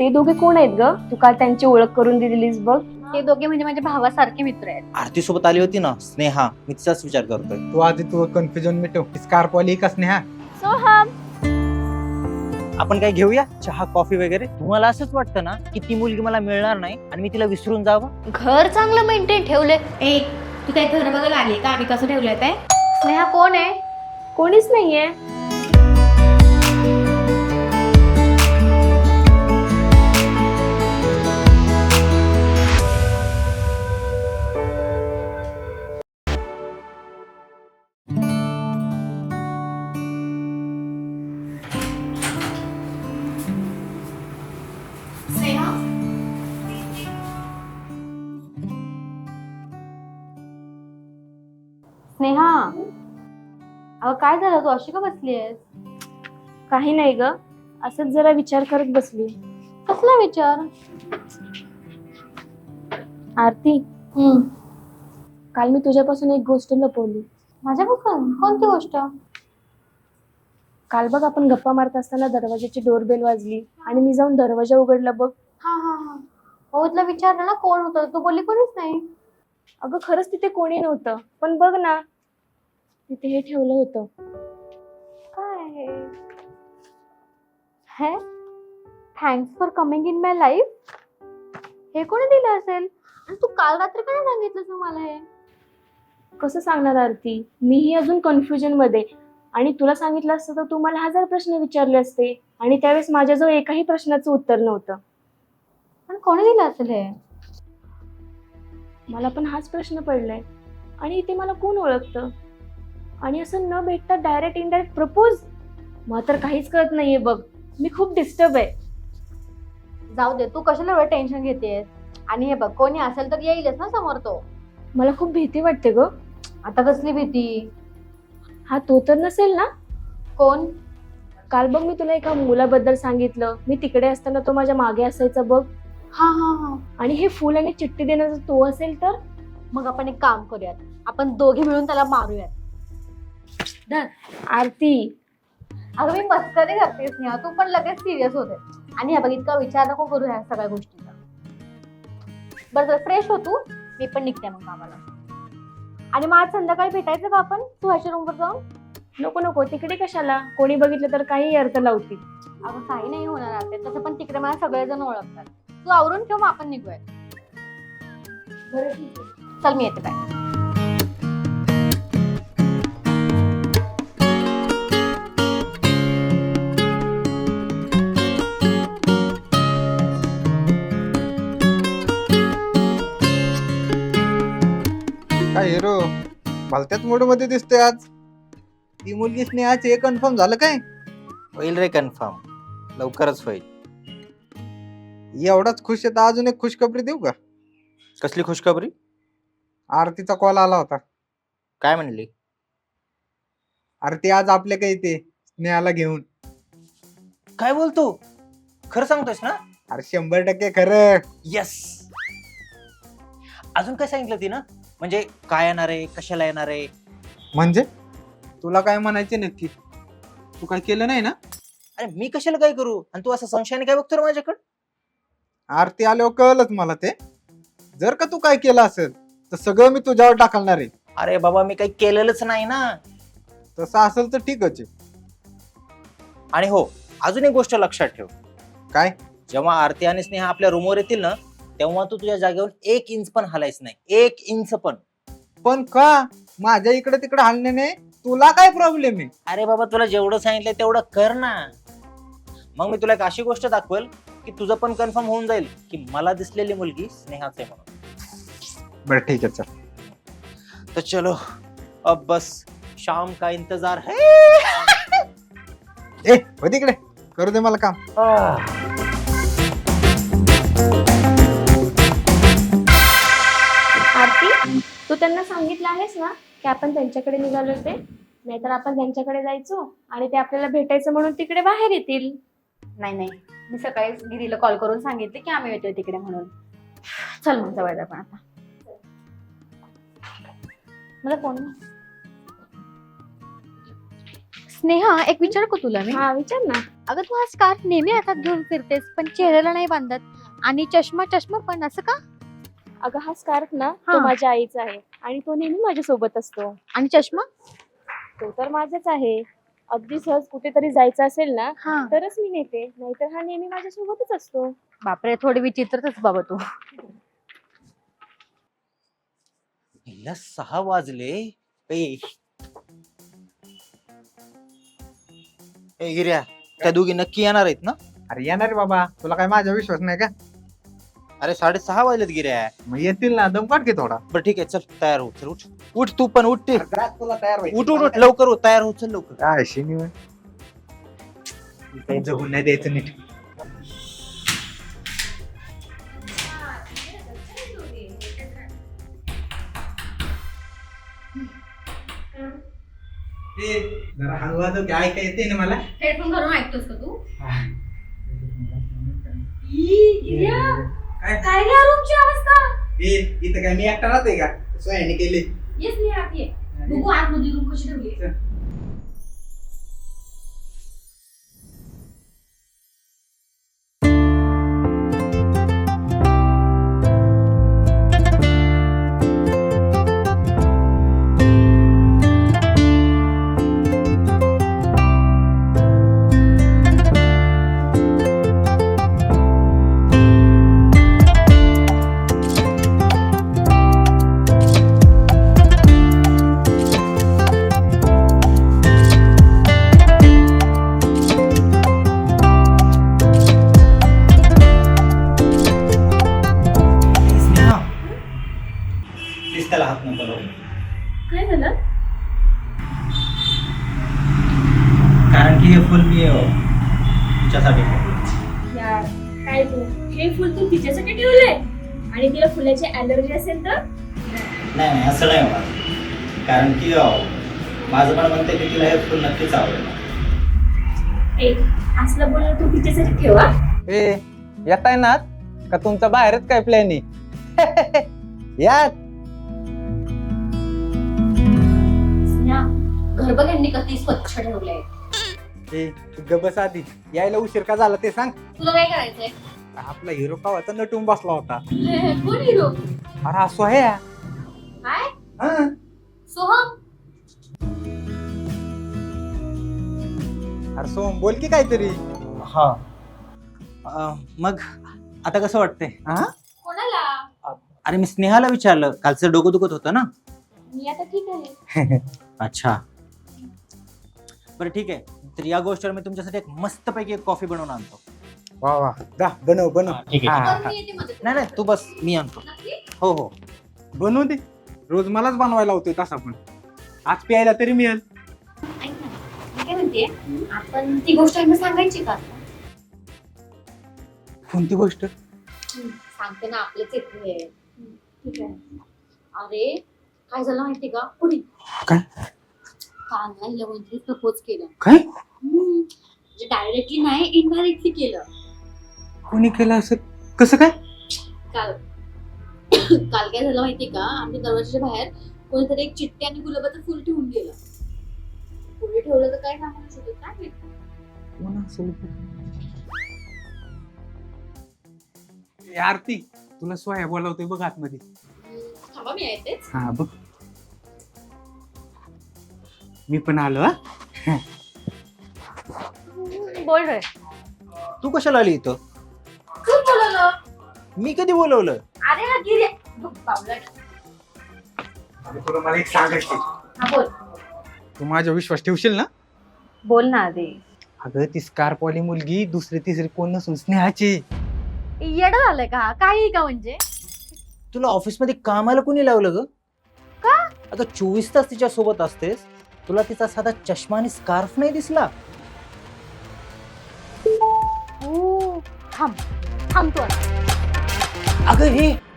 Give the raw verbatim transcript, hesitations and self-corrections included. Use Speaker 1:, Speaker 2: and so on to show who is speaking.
Speaker 1: ते दोघे कोण आहेत ग? तू काल त्यांची ओळख करून दिलीस बघ.
Speaker 2: ते दोघे म्हणजे माझ्या भावासारखे मित्र आहेत.
Speaker 3: आरती सोबत आली होती ना स्नेहा, मी तिचाच विचार करतोय.
Speaker 4: तू आधी तू कन्फ्युजन मिटव. स्कार्फ वाली का स्नेहा?
Speaker 2: सोहम,
Speaker 3: आपण काय घेऊया चहा कॉफी वगैरे? तुम्हाला असंच वाटतं ना की ती मुलगी मला मिळणार नाही आणि मी तिला विसरून जावं?
Speaker 2: घर चांगलं मेंटेन ठेवले.
Speaker 5: ए तू काय घर बघायला आली का? आम्ही कसं ठेवलंय ते?
Speaker 2: स्नेहा कोण आहे?
Speaker 1: कोणीच नाहीये.
Speaker 5: स्नेहा
Speaker 2: स्नेहा, अगं काय झालं, तू अशी का बसली आहेस?
Speaker 1: काही नाही ग, असंच जरा विचार करत बसली.
Speaker 2: कसला विचार?
Speaker 1: आरती,
Speaker 2: हम्म
Speaker 1: काल मी तुझ्यापासून एक गोष्ट लपवली.
Speaker 2: माझ्यापासून कोणती गोष्ट?
Speaker 1: काल बघ आपण गप्पा मारत असताना दरवाजाची डोरबेल वाजली आणि मी जाऊन दरवाजा उघडला बघ.
Speaker 2: हा हा हा हो, तुला विचारलं ना कोण होतं, तू बोलली कोणीच नाही.
Speaker 1: अगं खरंच तिथे कोणी नव्हतं, पण बघ ना तिथे हे ठेवलं होतं.
Speaker 2: काय हे? Thanks for coming in my life. हे कोणी दिलं असेल? आणि तू काल रात्री का नाही सांगितलंस मग मला हे?
Speaker 1: कसं सांगणार आरती, मीही अजून कन्फ्युजन मध्ये. आणि तुला सांगितलं असतं तर तू मला हजार प्रश्न विचारले असते आणि त्यावेळेस माझ्याजवळ एकाही प्रश्नाचं उत्तर नव्हतं.
Speaker 2: पण कोणी दिलं असेल हे?
Speaker 1: मला पण हाच प्रश्न पडलाय. आणि इथे मला कोण ओळखतं? आणि असं न भेटता डायरेक्ट इनडायरेक्ट प्रपोज? मला तर काहीच कळत नाहीये बघ. मी खूप डिस्टर्ब आहे.
Speaker 2: जाऊ दे, तू कशाला एवढं टेन्शन घेतेस? आणि हे बघ, कोणी असेल तर येईलच ना समोर तो.
Speaker 1: मला खूप भीती वाटते ग.
Speaker 2: आता कसली भीती?
Speaker 1: हा तो तर नसेल ना?
Speaker 2: कोण?
Speaker 1: काल बघ मी तुला एका मुलाबद्दल सांगितलं, मी तिकडे असताना तो माझ्या मागे असायचा बघ.
Speaker 2: हा हा हा
Speaker 1: आणि हे फुल आणि चिठ्ठी देण्याचा तो असेल तर?
Speaker 2: मग आपण एक काम करूयात, आपण दोघे मिळून त्याला मारूयात. धर.
Speaker 1: आरती,
Speaker 2: अगं मी मस्करी करतेस ना, तू पण लगेच सिरियस होते. आणि हे बघ, इतका विचार नको करू ह्या सगळ्या गोष्टीचा. बरं जर फ्रेश हो तू, मी पण निघते मग कामाला. आणि मग आज संध्याकाळी भेटायचं का आपण तू ह्याच्या रूमवर जाऊन?
Speaker 1: नको नको, तिकडे कशाला? कोणी बघितलं तर काही अर्थ लावतील.
Speaker 2: अगं काही नाही होणार आता, तसं पण तिकडे मला सगळेजण ओळखतात. तू आवरून ठेव, मग आपण निघूया.
Speaker 1: बरं ठीक आहे.
Speaker 2: चल मी येते, बाय.
Speaker 4: काय हिरो भलत्याच मूड मध्ये दिसतोय आज. ती मुलगी स्नेहाचे हे कन्फर्म झालं काय?
Speaker 3: होईल रे कन्फर्म, लवकरच होईल.
Speaker 4: एवढाच खुश आहे तर अजून एक खुशखबरी देऊ का?
Speaker 3: कसली खुशखबरी?
Speaker 4: आरतीचा कॉल आला होता.
Speaker 3: काय म्हणली?
Speaker 4: आरती आज आपल्या काही ते स्नेहाला घेऊन.
Speaker 3: काय बोलतो? खरं सांगतोयस ना?
Speaker 4: अरे शंभर टक्के खरं.
Speaker 3: यस. अजून काय सांगितलं ती ना? म्हणजे काय येणार आहे, कशाला येणार आहे?
Speaker 4: म्हणजे तुला काय म्हणायचे नक्की? तू काय केलं नाही ना?
Speaker 3: अरे मी कशाला काय करू? आणि तू असं संशयाने काय बघतो रे माझ्याकडे?
Speaker 4: आरती आल्यावर कळलंच मला ते. जर का तू काय केलं असेल तर सगळं मी तुझ्यावर टाकणार आहे.
Speaker 3: अरे बाबा, मी काही केलेलंच नाही ना.
Speaker 4: तसं असेल तर ठीकच आहे.
Speaker 3: आणि हो, अजून एक गोष्ट लक्षात ठेव.
Speaker 4: काय?
Speaker 3: जेव्हा आरती आणि स्नेहा आपल्या रूमवर येतील ना, तेव्हा तू तुझ्या जागेवर एक इंच पण हलायच नाही. एक इंच पण.
Speaker 4: पण का? माझ्या इकडे तिकडे हलण्याने तुला काय प्रॉब्लेम आहे?
Speaker 3: अरे बाबा, तुला जेवढं सांगितलंय तेवढं कर ना. मग मी तुला एक अशी गोष्ट दाखवेल की तुझं पण कन्फर्म होऊन जाईल की मला दिसलेली मुलगी स्नेहाच आहे म्हणून.
Speaker 4: बरं ठीक आहे, चल.
Speaker 3: तो चलो अब बस शाम का इंतजार है.
Speaker 4: ए हो तिकडे, करू दे मला काम.
Speaker 1: आरती, तू त्यांना सांगितलं आहेस ना की आपण त्यांच्याकडे निघालो ते? नाहीतर आपण त्यांच्याकडे जायचो आणि ते आपल्याला भेटायचं म्हणून तिकडे बाहेर येतील.
Speaker 2: नाही नाही, मी सकाळीच गिरीला कॉल करून सांगितले की आम्ही येतोय तिकडे म्हणून. चल मग जवळ पण आता. मला फोन. स्नेहा, एक विचार का तुला मी?
Speaker 1: हा विचार ना.
Speaker 2: अगं तू हा स्कार्फ नेहमी हातात घेऊन फिरतेस पण चेहऱ्याला नाही बांधत आणि चष्मा चष्मा पण असं का?
Speaker 1: अगं हा स्कार्फ ना
Speaker 2: हा.
Speaker 1: तो माझ्या आईचा आहे आणि तो नेहमी माझ्या सोबत असतो.
Speaker 2: आणि चष्मा?
Speaker 1: तो तर माझाच आहे. अगदी सहज कुठेतरी जायचं असेल ना
Speaker 2: हा.
Speaker 1: तरच मी नेते, नाहीतर हा नेहमी माझ्या सोबतच असतो.
Speaker 2: बापरे, थोडी विचित्रच बाबा तू.
Speaker 3: हिला सहा वाजले. ए ए, गिऱ्या, त्या दोघी नक्की येणार आहेत ना?
Speaker 4: अरे येणार रे बाबा, तुला काय माझा विश्वास नाही का?
Speaker 3: अरे साडेसहा वाजलेत गिऱ्या.
Speaker 4: मग येतील ना, दम काढ घे थोडा.
Speaker 3: बरं ठीक आहे, चल तयार हो. चल उठ उठ, तू पण उठ. ते
Speaker 4: अरे, तुला तयार व्हायचं.
Speaker 3: उठ उठ उठ, लवकर हो, तयार हो, चल लवकर.
Speaker 4: काय शनिवार काही जगून नाही द्यायचं नीट. ए, जरा हळू वाजव की ऐका येते ना मला.
Speaker 5: हेडफोन घालून ऐकतोस का तू?
Speaker 4: काय
Speaker 5: काय गं रूमची अवस्था?
Speaker 4: ए, इथं काय मी एकटा राहते का? सोयाने केले.
Speaker 5: येस मी आत ये. बघू आतमध्ये रूम कशी ठेवली.
Speaker 3: स्नेहा, प्लीज त्याला हात नको लावू.
Speaker 1: काय झालं?
Speaker 3: कारण की हे फुल मी अ, तुझ्यासाठी
Speaker 1: यार काय तू हे फुल तू तिच्यासाठी ठेवलंय आणि तिला फुलाची अलर्जी असेल तर?
Speaker 3: नाही नाही असं नाही होणार. कारण की अ, माझं पण म्हणते की तिला हे फुल नक्कीच आवडेल.
Speaker 1: ए असलं बोलणं तू तिच्यासाठी ठेवा.
Speaker 4: ए, येताय ना का तुमचा बाहेरच काय प्लॅन आहे? यात
Speaker 5: घर बघ यांनी किती स्वच्छ ठेवलंय.
Speaker 4: ए, तू ग बस आधी. यायला उशीर का झाला ते सांग.
Speaker 5: तुला काय करायचंय?
Speaker 4: आपला हिरो कावाचा नटून बसला होता.
Speaker 5: कोण हिरो?
Speaker 4: अरे हा सोहया.
Speaker 5: काय?
Speaker 4: हा.
Speaker 5: सोहम?
Speaker 4: अरे सोहम बोल की काहीतरी.
Speaker 3: हा अ, मग आता कसं वाटतंय?
Speaker 4: हा?
Speaker 5: कोणाला?
Speaker 3: अरे मी स्नेहाला विचारलं, कालचं डोकं दुखत होतं ना.
Speaker 1: मी आता ठीक आहे.
Speaker 3: अच्छा बरं ठीक आहे. तर या गोष्टीवर मी तुमच्यासाठी एक मस्तपैकी एक कॉफी बनवून आणतो.
Speaker 4: वा वा, जा बनव बनव.
Speaker 3: ठीक
Speaker 4: हा,
Speaker 3: आहे.
Speaker 4: हा.
Speaker 5: बरं, मी येते मदत.
Speaker 3: नाही नाही, तू बस, मी आणतो.
Speaker 5: नक्की?
Speaker 3: हो हो.
Speaker 4: बनवू दे. रोज मलाच बनवायला होतोय तसा पण. आज प्यायला तरी मिळेल.
Speaker 5: ऐक ना, मी काय म्हणते, आपण ती गोष्ट यांना सांगायची का?
Speaker 4: कोणती गोष्ट?
Speaker 5: सांगते ना, आपलेच येते.
Speaker 1: ठीक आहे.
Speaker 5: अरे काय झालं माहिती का? पुढे
Speaker 4: काय?
Speaker 5: काल ना हिला कोणतरी प्रपोज केलं.
Speaker 4: काय?
Speaker 5: हम्म. म्हणजे डायरेक्टली नाही, इनडायरेक्टली केलं.
Speaker 4: कोणी केलं असं? कसं काय?
Speaker 5: काल काल काय झालं माहिती का? आमच्या दरवाजाच्या बाहेर कोणीतरी एक चिठ्ठी आणि गुलाबाचं फुल ठेवून गेलं. पुढे ठेवलं तर काय सांगू शकत काय माहिती.
Speaker 4: कोण असेल? ए, आरती, तुला सोया बोलावतोय बघ आतमध्ये.
Speaker 5: हम्म, थांबा मी येतेच.
Speaker 4: हा बघ. मी पण आलो. हा.
Speaker 1: बोल रे.
Speaker 3: तू कशाला आली इथं?
Speaker 5: खूप बोलवलं.
Speaker 3: मी कधी बोलवलं?
Speaker 5: अरे हा गिरे बघ, बावळट.
Speaker 4: अरे तुला मला एक सांगायचं.
Speaker 5: हा बोल.
Speaker 4: तू माझा विश्वास ठेवशील ना?
Speaker 2: बोल ना आधी.
Speaker 4: अगं ती स्कार्पवाली मुलगी दुसरी तिसरी कोण नसून स्नेहाची.
Speaker 2: येड झालंय का? काही का म्हणजे?
Speaker 3: तुला ऑफिसमध्ये कामाला कोणी लावलं ग?
Speaker 2: का?
Speaker 3: अगं चोवीस तास तिच्या सोबत असतेस, तुला तिचा साधा चष्मा आणि स्कार्फ नाही दिसला?
Speaker 2: ओ, थांब थांब तू आता.
Speaker 3: अगं हे